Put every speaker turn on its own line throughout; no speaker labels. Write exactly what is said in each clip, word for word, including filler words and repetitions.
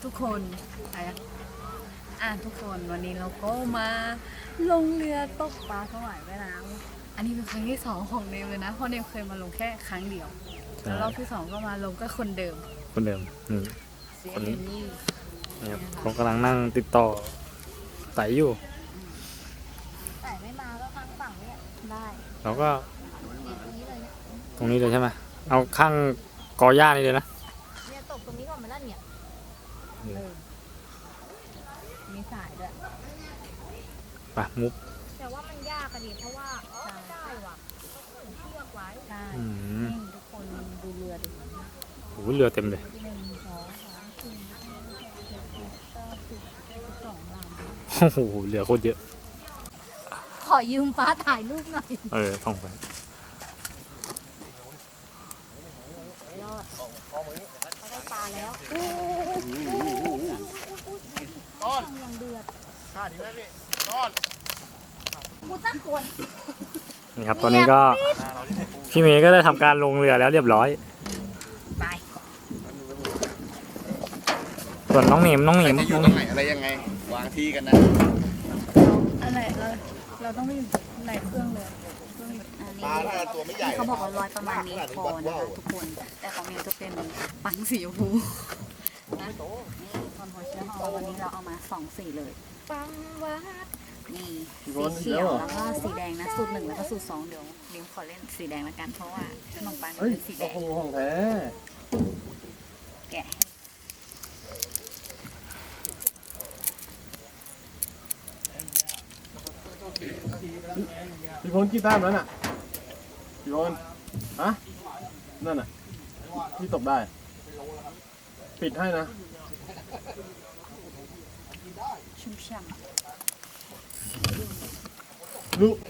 ทุกคนอ่ะทุกคนวันนี้เราก็มาลงเรือตกปลาถวายแม่น้ำอันนี้เป็นครั้งที่สองของเนมเลยนะเพราะเนมเคยมาลงแค่ครั้งเดียวแล้วรอบที่สองก็มาลงก็คนเดิม
คนเดิมนี่คนนี้นี่ครับเขากำลังนั่งติดต่อไต่อยู่
ไต่ไม่มาก็ข้างฝั่งนี้ได้
เราก็
ตรงนี้เลยเนี่ย
ตรงนี้เลยใช่ไหมเอาข้างกอหญ้านี่เลยนะ
เนี่ยตกตรงนี้ก่อนมาแล้วเนี่ย
มีสายด้วย
ไปมุก
แต่ว่ามันยากอะดิเพราะว่าอ๋อได้ว่ะต้องผูกเชือกไว้
ใช่นี่ทุกคนดูเรือดิ
โอ้โหเรือเต็มเลย
หนึ่งสองสามสี่ห้าหกเจ็ดแปดเก้าสิบสิบสองลำ
โอ้โหเรือโคตรเยอะ
ขอยืมฟ้าถ่ายรูปหน่อย
เออท่องไป
ยอดเขาได้ปลาแล้วต้อนยังเดือดข้าดีไหมพี่ต้อนกูตั้งคน
นี่ครับตอนนี้ก็พี่เมย์ก็ได้ทำการลงเรือแล้วเรียบร้อย
ไป
ส่วนน้องเหนียมน้องเหนียม
อยู่ตรงไหนอะไรยังไงวางที่กันนะ
อะไรเราเราต้องไม่ไหนเครื่องเลย
ปลาถ้าตัวไม่ใหญ่
เขาบอกว่าลอยประมาณนี้พอนะคะทุกคนแต่ของเมย์จะเป็นปังสีชมพูนะนี่คอนโทรเชอร์ฮอลวันนี้เราเอามาสองสีเลย
ปังวัด
นี่สีเขียวแล้วก็สีแดงนะสูตรหนึ่งแล้วก็สูตรสองเดี๋ยวลิมขอเล่นสีแดงละกันเพราะว่าขนมปังเป็นสีแดง
ของแท้
แกะ
พี่พลกี่แต้มแล้วน่ะพี่พลฮะนั่นน่ะพี่ตกได้ปิดให้นะ
ชุ่มฉ่ำ
ลูก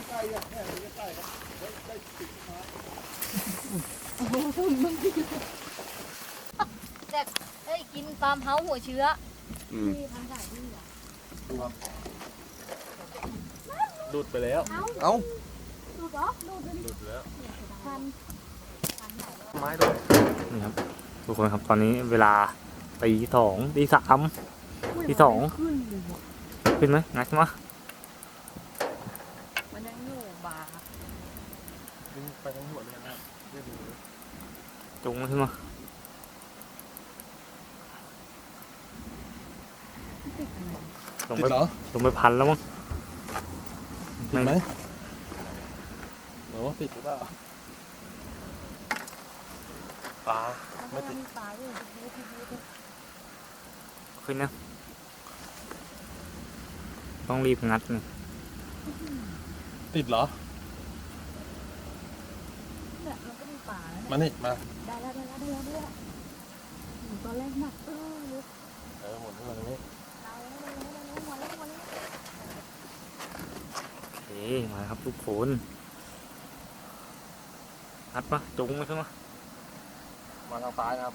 แต่เอ้ยกินฟาร์มเฮาส์หัวเชื้อที่ทำสายที่อ่ะ
ดูดไปแล้วเอ้า
ดูดเหรอดูดเลย
ดูดแล้ว
พัน
ไม้ด้วย
นี่ครับทุกคนครับตอนนี้เวลาตีสองตีสามตีสองขึ้นไหมงัดมา
มันยังอยู่บา
ไปทั้งหัวเลยนะ
จุงขึ้นมาลงไปลงไปพันแล้วมั้ง
ติดไหมหรือว่าติดหรือเปล่าปลาไม่ติด
ขึ้นนะต้องรีบงัดนะ
ติดเหรอ
เนี่ยเราก็มีป่าแล้ว
มานี่มา
ได้แล้วได้แล้วได้แล้วได้แล้วตอนแรกหนักเออ
เออหมุนขึ้นมาตรงนี้
โอเคมาครับทุกคนงัดมาจุงมาขึ้นมา
มาทางซ้ายนะครับ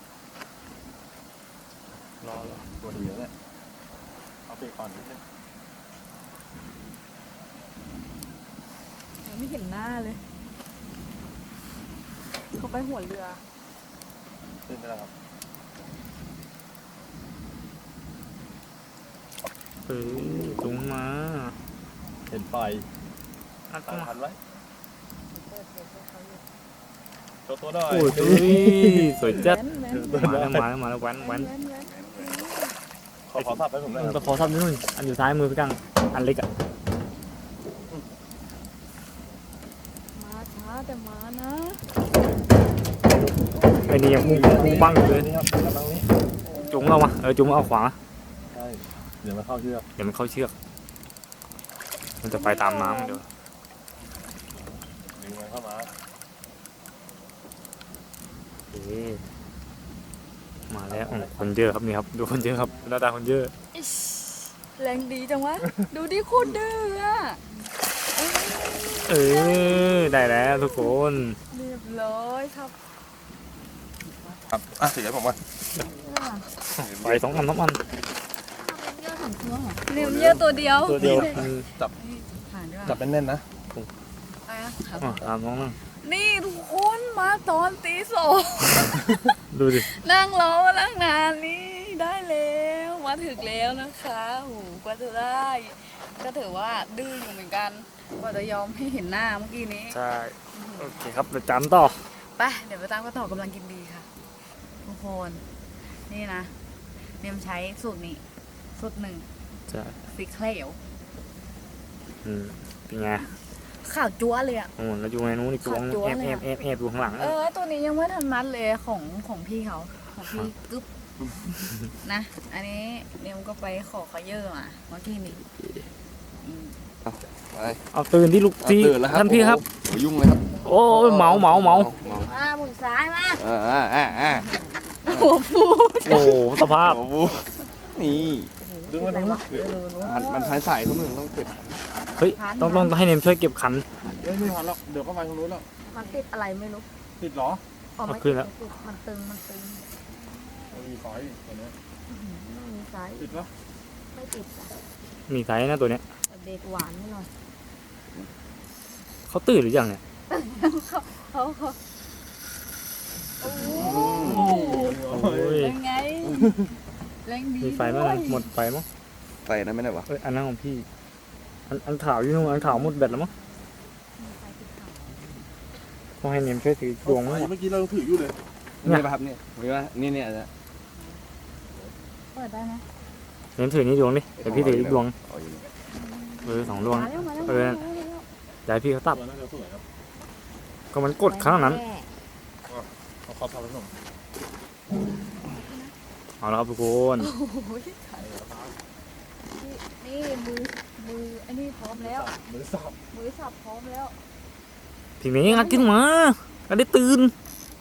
รอรอตัวเดียวเนี่ยเอาไปก่อนนิดนึง
ไม่เห็นหน้าเลยเขาไปหัวเรือ
ขึ้นไปแล้วครับ
เออจุงมา
เห็นไฟ
อัดมา
ทันไว้ตัวตัวได้
โอ้ยสวยจัดมาแล้วมาแล้วมาแล้วแว้นแว้น
ขอขอทับให้ผมได้
ครับขอทับนิดนึงอันอยู่ซ้ายมือพี่กังอันเล็กอ่ะ
มาช้าแต่มานะ
ไอ้นี่ยังมุ่งมุ่งบังเลยจุงเอามาเออจุงเอาขวา
ใช่เดี๋ยวมันเข้าเชือก
เดี๋ยวมันเข้าเชือกมันจะไปตามน้ำเดี๋ยว
ดึงมันเข้ามา
มาแล้วคนเยอะครับนี่ครับดูคนเยอะครับหน้าตาคนเยอะ
แรงดีจังวะดูดิโคตรดื้ออ่ะ
เออได้แล้วทุกคน
เรียบร้อยครับ
ครับอ่ะเดี๋ยวผมมา
ไปสองอันสองอัน
เนียมเยอะตัวเดียว
ตัวเดียว
จับจับแน่นๆนะ
อ่ะตามน้องนั่ง
นี่ทุกคนมาตอนตีสอง
ดูดิ
นั่งรอมาตั้งนานนี่ได้แล้ถึงแล้วนะคะโหกว่าจะได้ ก็ถือว่าดื้ออยู่เหมือนกัน กว่าจะยอมให้เห็นหน้าเมื่อกี้นี้
ใช่โอเคครับเดี๋ยวจำต่อ
ไป เดี๋ยวไปตามกันต่อกำลังกินดีค่ะ ทุกคน นี่นะเนมใช้สูตรนี้ สูตรหนึ่ง
ใช่
สีเขียว
อืมเป็นไง
ข่าวจั๊วเลยอะ
โอ้แล้วอยู่ในนู้นอีกตัว
ขาดจั๊ว
แอบ
เลย
แอ
อะ
บแอบแอบอยู่ข้างหลัง
เออ ตัวนี้ยังไม่ทันมัดเลยของของพี่เขา ของพี่กึ๊บนะ อันนี้เนมก็ไปขอเขาเยอะมาเมื่อกี้นี้อืม
ไป
เอาตื่นที่ลูกที่
ตื่นแล้วครับ
ท่านพี่ครับ
โอ้โหยุ่งเลยครับ
โอ้ยเมาเมาเมา
เมา
มาหมุนซ้ายมา
อ่าอ่าอ่าอ่า
หัวฟู
โอ้โหสภาพ
โอ้โหนี่
ดึงมาดึงมา
มันมันท้ายสายทุกหนึ่งต้องเก็บ
เฮ้ยต้องต้องให้เนมช่วยเก็บขัน
เฮ้ยไม่ทันแล้วเดี๋ยวก็ไปทางนู้นแล้ว
มันติดอะไรไม่รู้
ติดเหรอ
อ๋อไม่
เอาขึ้
ติ
น
ด
แล้ว
ไม่ติดมันตึง มันตึง
มันมีสายอีกตัวเนี้ย
ไม่มีซ้าย
ติดปะ
ไม่ติดอะ
มีไซส์นะตัวเนี้ย
แต่เบรกหวานไม่หน่อย
เขาตื่นหรือยังเนี่ย
เขาเขาโอ้โห
โอ้ย
เป็นไงแรงดี
มีไฟมั้ง
ด้วย
หมดไฟมั้ง
ไฟนั้นไม่ได้วะ
เอ้ยอันนั้นของพี่อันอันขาวอยู่นู่นอันขาวหมดแบตแล้วมั้งต้องให้เนมช่วยถือดวงมั้ง
เมื่อกี้เราถืออยู่เลย
นี่ป่ะครับเนี่ยผมว่านี่เนี่ยนะ
เปิดได้ไหม
เนมถือนี่ดวงดิเดี๋ยวพี่ถืออีกดวง
เอาอยู่นี่
เออสองดวง
มาแล้วมาแล้ว
เออ
มาแล้ว
เดี๋ยวให้พี่เขาตัด
ตัวน่าจะสวยครับ
ก็มันกดข้างนั้น
เอาขอบทำผสม
เอาแล้วครับทุกคน
โอ้ยนี่มือมืออันนี้พร้อมแล้ว
มือสับ
มือสับพร้อมแล้ว
ทีนี้งัดขึ้นมาก็ได้ตื่น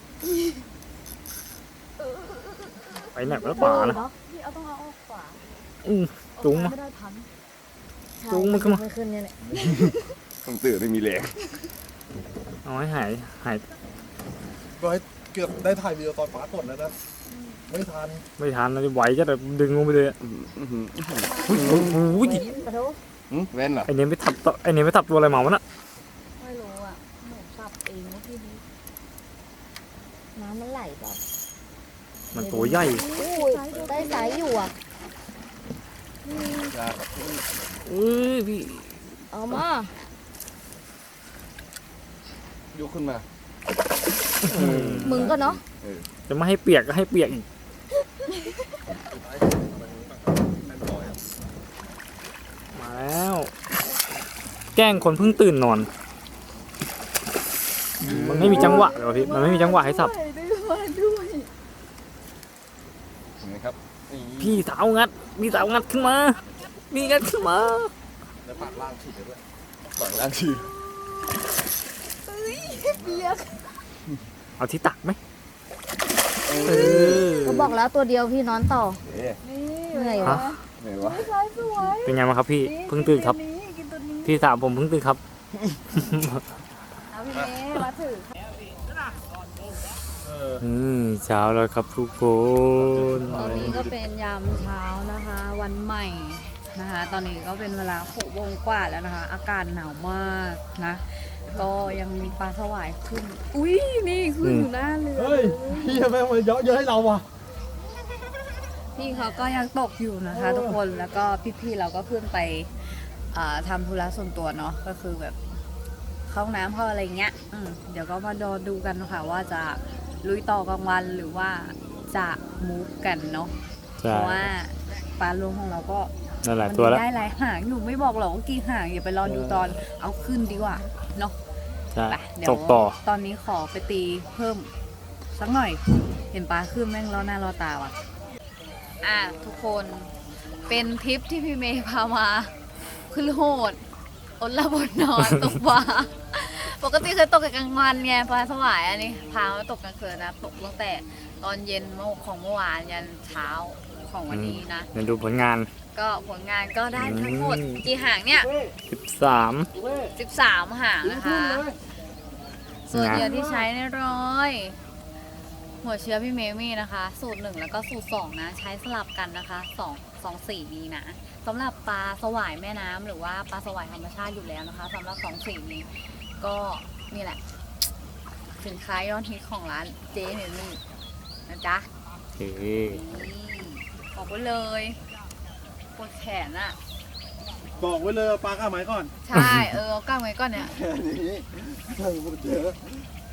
ไปไหนแล้วป่านะ
พี่เอาต้องเอาออกขวา
อือจุงมา
ไม่ได้ทัน
จุงมันขึ้นมา
ไม่ขึ้นเนี่ยแหละ
ต้องตื่นไม่มีแรง
เอาให้หายหาย
ก็ให้เกือบได้ถ่ายวีดีโอตอนฟ้ากดแล้วนะไม่ทัน
ไม่ทันนะไหวจะแบบดึงลงไปเลยอะ
อื้ออื้อหือ
โอ้โห
กระโดด
หืมแว่นเหรอ
ไอเนี้ยไม่ทับตัวไอเนี้ยไม่ทับตัวอะไรเหมาวะน่ะ
ไม่รู้อ่ะหนูสับเองเมื่อกี้นี้น้ำมันไหลแบบ
มันตัวใหญ่
อุ้ยได้สายอยู่อ่ะ
จ้า
เอ้ยพี่
เอามา
ยกขึ้นมา
มึงก็เนาะ
จะไม่ให้เปียกก็ให้เปียกอีกมาแล้ว แกล้งคนเพิ่งตื่นนอน มันไม่มีจังหวะเลยวะพี่มันไม่มีจังหวะให้สับ
ด้วยด้วย
เห็นไหมครับนี่
พี่สาวงัดพี่สาวงัดขึ้นมามีงัดขึ้นมา
แล้วผ่านล่างฉีดไปด้วย
ปล่อยล่างชื่อ
เปียก
เอาที่ตักไหมเออ
ก็บอกแล้วตัวเดียวพี่นอนต่อ
เอ๊ะ
นี่
เหนื่อย
ฮะ
ไหนวะ
สายสวย
เป็นไงบ้างครับพี่เพิ่งตื่นครับ
กินกินตัวนี้
พี่สาวผมเพิ่งตื่นครับ
เอาพี่เมย์มาถือ
เออ
อืมเช้าแล้วครับทุกคน
ตอนนี้ก็เป็นยามเช้านะคะ วันใหม่นะคะ ตอนนี้ก็เป็นเวลาหกโมงกว่าแล้วนะคะ อากาศหนาวมากนะ ก็ยังมีปลาสวายขึ้น อุ้ยนี่ขึ้นอยู่หน้าเรือ
เฮ้ยพี่ทำไมมาเยอะเยอะให้เราวะ
พี่เขาก็ยังตกอยู่นะคะ ทุกคนแล้วก็พี่ๆเราก็ขึ้นไปอ่าทำธุระส่วนตัวเนาะก็คือแบบเข้าห้องน้ำเข้าอะไรเงี้ยอืมเดี๋ยวก็มาดอดูกันค่ะว่าจะลุยต่อกลางวันหรือว่าจะมูฟกันเนาะ
ใช่
เพราะว่าปลารวมของเราก็
นั่นแหละ
มั
ตัวแล้ว
ได้หลายหางอยู่ไม่บอกหรอกว่ากี่หางอย่าไปรอดูตอนเอาขึ้นดีกว่าเนาะ
ใช่
ไปเดี๋ยว
ตกต่อ
ตอนนี้ขอไปตีเพิ่มสักหน่อย เห็นปลาขึ้นแม่งล้อหน้าล้อตาว่ะอ่ะทุกคนเป็นทริปที่พี่เมย์พามาขึ้นโหดอดหลับบนนอนตกปลาปกติเคยตกกลางวันไงปลาสวายอันนี้พามาตกกลางคืนนะตกตั้งแต่ตอนเย็นของเมื่อวานยันเช้าของวันนี้นะ
เดี๋ยวดูผลงาน
ก็ผลงานก็ได้ทั้งหมด
อืม
กี่หางเนี่ย
สิบสาม
สิบสามหางนะคะ ส่วนเหยื่อที่ใช้ในร้อย หัวเชื้อพี่เมมี่นะคะ สูตรหนึ่งแล้วก็สูตรสองนะ ใช้สลับกันนะคะสองสองสีนี้นะสำหรับปลาสวายแม่น้ำหรือว่าปลาสวายธรรมชาติอยู่แล้วนะคะสำหรับสองสีนี้ ก็นี่แหละ สินค้ายอดฮิตของร้านเจ๊เมมี่นะจ๊ะ
โอเค
นี่บอกไว้เลยปวดแขนอะ
บอกไว้เลยเอาปลาก้าไม้ก่อน
ใช่เออเอากล้างไว้ก่อนเนี่ย
แค่นี้เพิ่งพูดเยอะ